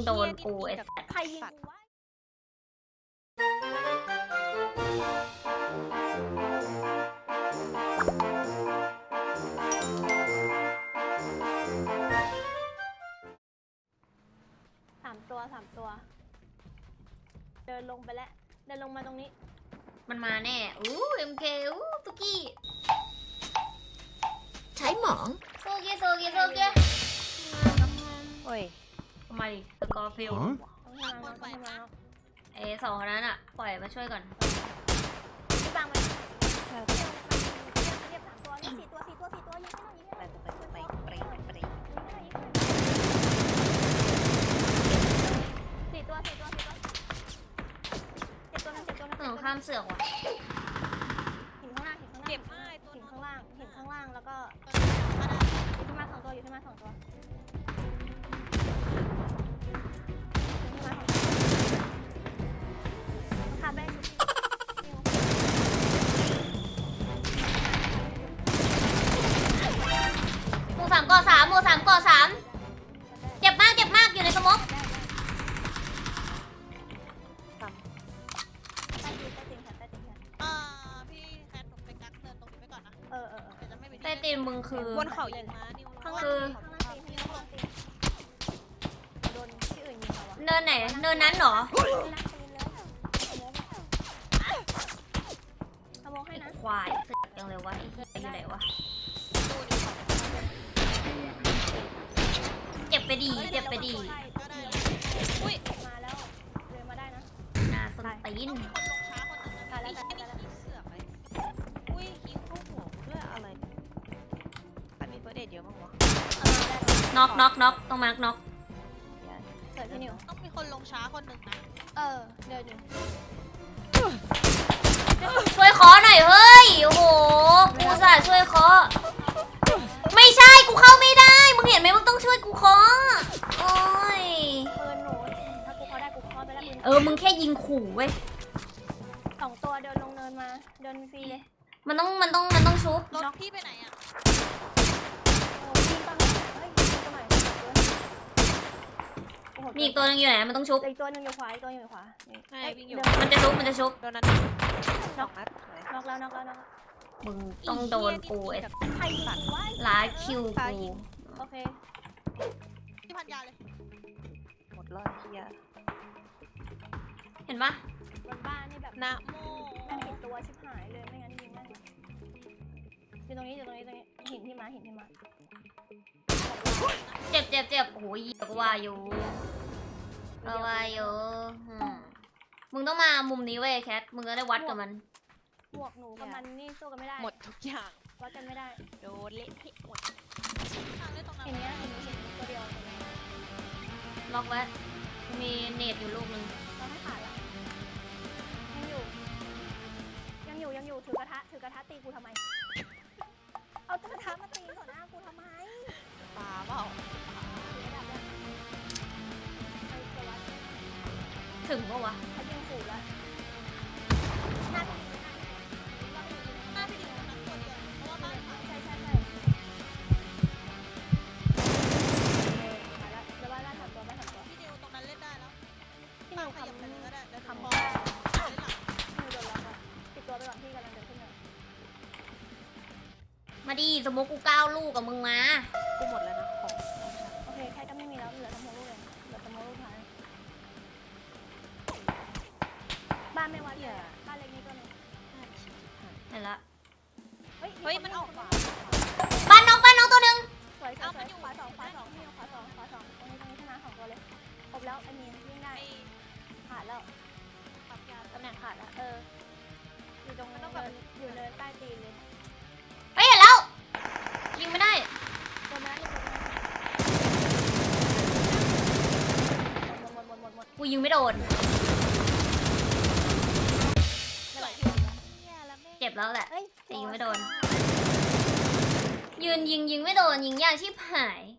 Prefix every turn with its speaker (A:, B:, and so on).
A: โดนกูไอ้สัส
B: ใครยิงกูวะสามตัวเดินลงไปแล้วเดินลงมาตรงนี้
A: มันมาแน่MK ตุกี้
C: ใช้หมอง
A: โซเกะ
B: โอ้ย
A: ทำไมสกอร์ฟิล
B: ต้องทำมา
A: สองคนนั้นอะปล่อยมาช่วยก่อน
B: พี่บางมันเรียบสามตัวนี่สี่ตัวยิงให้หน่อยยิงให้หน่อยสี่ตัวนึง
A: ข้ามเสือกว่ะ
B: หินข้างล่างเจ็บมากหินข้างล่างแล้วก็อยู่ที่มาสองตัวอยู่ที่มาสองตัวขาดไป
A: หมู่สามก่อสามเจ็บมากอยู่ในสมอง
D: พี่แคทหนูไปกักเนินตรงนี้ไปก่อนนะ
B: เออ
D: เดี๋ยวจะไม่มี
A: ใต้ตีนมึงคือบ
D: นเขายิงมานิว
B: ข้างล่าง
A: คือ
B: ตีนโดนที่อื่นยิงเขาวะ
A: เนินไหนเนินนั้นเหรอ
B: ขโมยให้นะ
A: ควายเสือกยังเลยวะไอ้เหี้ยอยู่ไหนวะเจ็บไปดี
D: ก็ได้อุ้ย
B: มาแล้วเดินมาได้นะ
A: นาสนตีน
D: ต้องมีคนลงช้าคนหนึ่งนะไอ้เชี่ยนี่เสือกไปอุ้ยยิงเข้าหัวด้วยอะไรใครมีเฟิร์สเอดเยอะมั้งวะ
A: น็อกต้องมาร์กน็อก
B: เกิดพี่นิว
D: ต้องมีคนลงช้าคนหนึ่งนะ
B: เดินอยู่
A: ช่วยเคอหน่อยเฮ้ยโอ้โหกูอุตส่าห์ช่วยเคอไม่ใช่กูเข้าไม่ได้มึงเห็นไหมมึงต้องช่วยกูเคอโอ้ย
B: ปืนหนูถ้ากูเขาได้กูเขาไปแล้วปืน
A: มึงแค่ยิงขู่เว้ย
B: สองตัวเดินลงเนินมาเดินฟรีเลย
A: มันต้องชุบ
D: รถพี่ไปไหนอ่ะ
B: โอ้ยิงตอนนี้เฮ้ยยิงตัวใหม่โอ้โห
A: มีอีกตัวนึงอยู่ไหนมันต้องชุบ
B: อีกตัวนึงอยู่ขวาอีกตัวอยู่ขวา
D: ใช่วิ่งอยู่
A: มันจะชุบ
D: โดนนั้นสองนัด
B: นอกแล้ว
A: มึงต้องโดนกูไอ้
B: ใครยิงวะ
A: ล้าคิวกู
B: โอเค
D: ที่พันยาเลยหมดเลยเฮีย
A: เห็นปะ
B: บนบ้านนี่แบบ
D: นะโม
B: แม่งผิดตัวชิบหายเลยไม่งั้นยิงแม่งอยู่ตรงนี้หินที่มา
A: เจ็บโอ้โหเหี้ยก็ว่าอยู่มึงต้องมามุมนี้เว้ยแคทมึงก็ได้วัดกับมัน
B: หมวกหนูกับมันนี่สู้กันไม่ได้
D: หมดทุกอย่าง
B: วัดกันไม่ได้
D: โดนเละเทะหมดทางเล่นตรงนั้น
B: เห็นเนี้ยเห็นตัวเดียว
A: ล็อกไว้มีเนตอยู่ลูกนึง
B: เราไม่ขาดละยังอยู่ถือกระทะตีกูทำไมเอากระทะมาตีต่อหน้ากูทำไม
D: ปลาเปล่า
A: ถึงปะวะ
B: เขายิงขู่แล้วหน้าพี่
D: หน้าพี่ดิวนั้นตัวเดียวเพราะว่าบ้านเขา
B: ใช่มาแล้วเดี๋ยวว่าล่าถัดตัว
D: พี่ดิวตรงนั้นเล่นได้แล้ว
B: พี่หนู
D: ขยับไปเลยก็ได้เดี๋ยว
B: คำ
D: พ
B: บ
D: อ
B: อก
D: เล่นหลัง
B: พี่โดนล็อกอะติดตัวไปก่อนพี่กำลังเดินขึ้นมา
A: มาดิสมมติกู9 ลูกกับมึงมา
D: กูหมดแล้วนะของ
B: โอเคแค่จะไม่มีแล้วเหลือสมองลูกเลยเหลือสมองลูกท้ายบ้านไม่วัดเลยบ้านเล็กนี้ก็มี
A: เห็นละ
D: เฮ้ยมันออกขวา
A: บ้านน้องตัวนึง
B: สวยขวาสองขวาสองตรงนี้ชนะ2ตัวเลยครบแล้วไอ้มีวิ่งได้
D: ไอ้
B: ขาดแล้ว
D: ปั๊มยา
B: ตำแหน่งขาดแล้วอยู่ตรงอยู่เนินใต้ตีนเลย
A: เฮ้ยเห็นแล้วยิงไม่ได้
B: ตัวนั้นหมด
A: กูยิงไม่โดน
B: ไม่ไหว
D: เนี่ยแล้วแม่
A: เจ็บแล้วแหละ
B: เฮ้ย
A: แต่ยิงไม่โดน ยืนยิงไม่โดนยิงยากชิบหาย